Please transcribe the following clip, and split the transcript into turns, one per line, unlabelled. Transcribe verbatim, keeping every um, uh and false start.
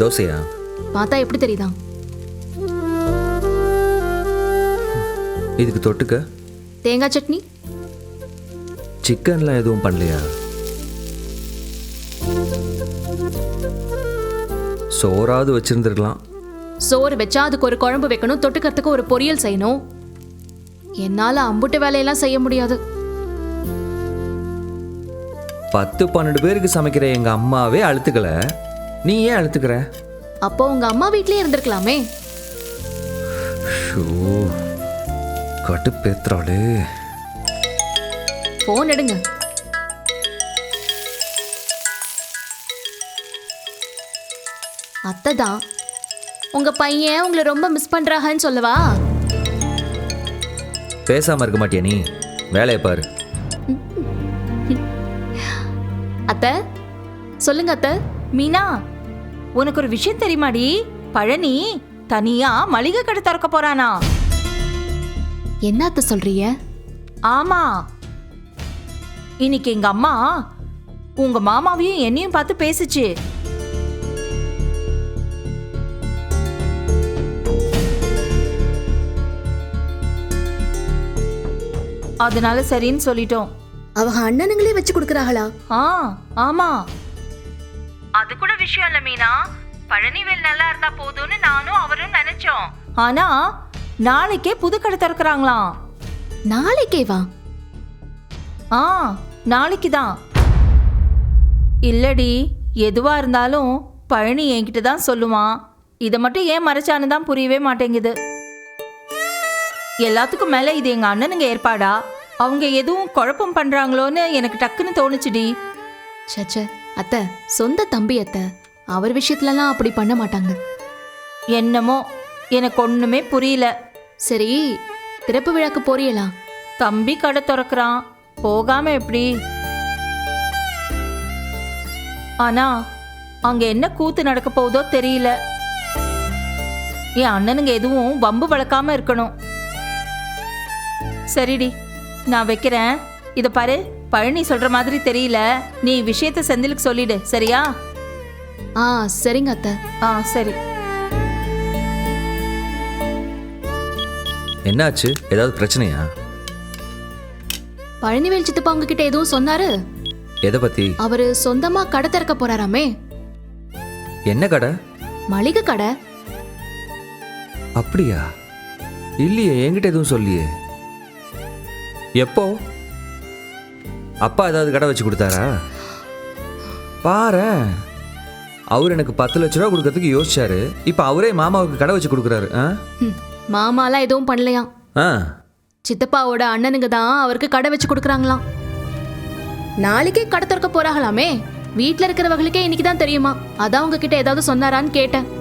தோசையா?
பார்த்தா எப்படி தெரியுதா?
இதுக்கு தொட்டுக்க
தேங்காய் சட்னி.
சிக்கன்லாம் எதுவும் பண்ணலையா? சோறாவது வச்சிருந்துருக்கலாம்.
சோறு வச்சா அதுக்கு ஒரு குழம்பு வைக்கணும், தொட்டுக்கிறதுக்கு ஒரு பொரியல் செய்யணும். என்னால அம்புட்டு வேலையெல்லாம் செய்ய முடியாது.
பத்து பன்னெண்டு பேருக்கு சமைக்கிற எங்க அம்மாவே அழுத்துக்கல, நீ ஏன் அழுத்துக்கிற?
அப்போ உங்க அம்மா வீட்லயே இருந்திருக்கலாமே.
கடுப்பேத்துறாளே.
போன் எடுங்க. அத்தை தான். உங்க பையன் உங்களை ரொம்ப மிஸ் பண்றாங்கன்னு சொல்லவா?
பேசாம இருக்க மாட்டியா நீ? வேலையை பாரு.
அத்தை சொல்லுங்க. அத்தை.
மீனா, உனக்கு ஒரு விஷயம் தெரியுமாடி? பழனி தனியா மளிகை கடை திறக்க போறானா?
என்ன அத்தை சொல்றீங்க?
ஆமா, இன்னைக்கு எங்க அம்மா உங்க மாமாவையும் என்னையும் பார்த்து பேசுச்சு. அதனால சரின்னு சொல்லிட்டோம்.
அவங்க அண்ணனுங்களே வச்சு கொடுக்கறாங்களா?
ஆ ஆமா, அது கூட விஷயம் இல்ல மீனா. பழனிவேல் நல்லா இருந்தா போதும்னு நானும் அவரும் நினைச்சோம். ஆனா நாளைக்கே புது கடை திறக்கிறாங்களாம்.
நாளைக்கே வா?
ஆ நாளைக்கு தான். இல்லடி, எதுவா இருந்தாலும் பழனி என்கிட்ட தான் சொல்லுவான். இதை மட்டும் ஏன் மறைச்சான்னு தான் புரியவே மாட்டேங்குது. எல்லாத்துக்கும் மேல இது எங்க அண்ணனுங்க ஏற்பாடா? அவங்க எதுவும் குழப்பம் பண்றாங்களோன்னு எனக்கு டக்குன்னு தோணுச்சுடி.
சச்ச அத்தை, சொந்த தம்பி அத்தை, அவர் விஷயத்துலலாம் அப்படி பண்ண மாட்டாங்க.
என்னமோ எனக்கு ஒண்ணுமே புரியல.
சரி, திறப்பு விழாக்கு போறீங்களா?
தம்பி கடை திறக்கிறான், போகாம எப்படி? ஆனா அங்க என்ன கூத்து நடக்க போகுதோ தெரியல. என் அண்ணனுங்க எதுவும் வம்பு வளர்க்காம இருக்கணும். சரிடி, நான் வைக்கிறேன். இத பாரு, பழனி சொல்ற மாதிரி தெரியல. நீ விஷயத்தை செந்திலுக்கு சொல்லிடு, சரியா?
ஆ சரிங்க அத்தை.
ஆ சரி.
என்னாச்சு? ஏதாவது பிரச்சனையா?
பழனிவேல் சித்தப்பா உங்ககிட்ட எதுவும் சொன்னாரு?
எதை பத்தி?
அவரு சொந்தமா கடை திறக்க போறாராமே.
என்ன கடை?
மளிகை கடை.
அப்படியா? இல்லையே, என்கிட்ட எதுவும் சொல்லியே. எப்போ? அப்பா ஏதாவது கடை வச்சு கொடுத்தாரா? பாரு, அவர் எனக்கு பத்து லட்ச ரூபா கொடுக்கறதுக்கு யோசிச்சாரு. இப்ப அவரே மாமாவுக்கு கடை வச்சு கொடுக்குறாரு.
மாமாலாம் எதுவும் பண்ணலையாம். சித்தப்பாவோட அண்ணனுங்க தான் அவருக்கு கடை வச்சு கொடுக்குறாங்களாம். நாளைக்கே கடை திறக்க போறாங்களாமே. வீட்டுல இருக்கிறவங்களுக்கே இன்னைக்கு தான் தெரியுமா. அதான் உங்ககிட்ட ஏதாவது சொன்னாரான்னு கேட்டேன்.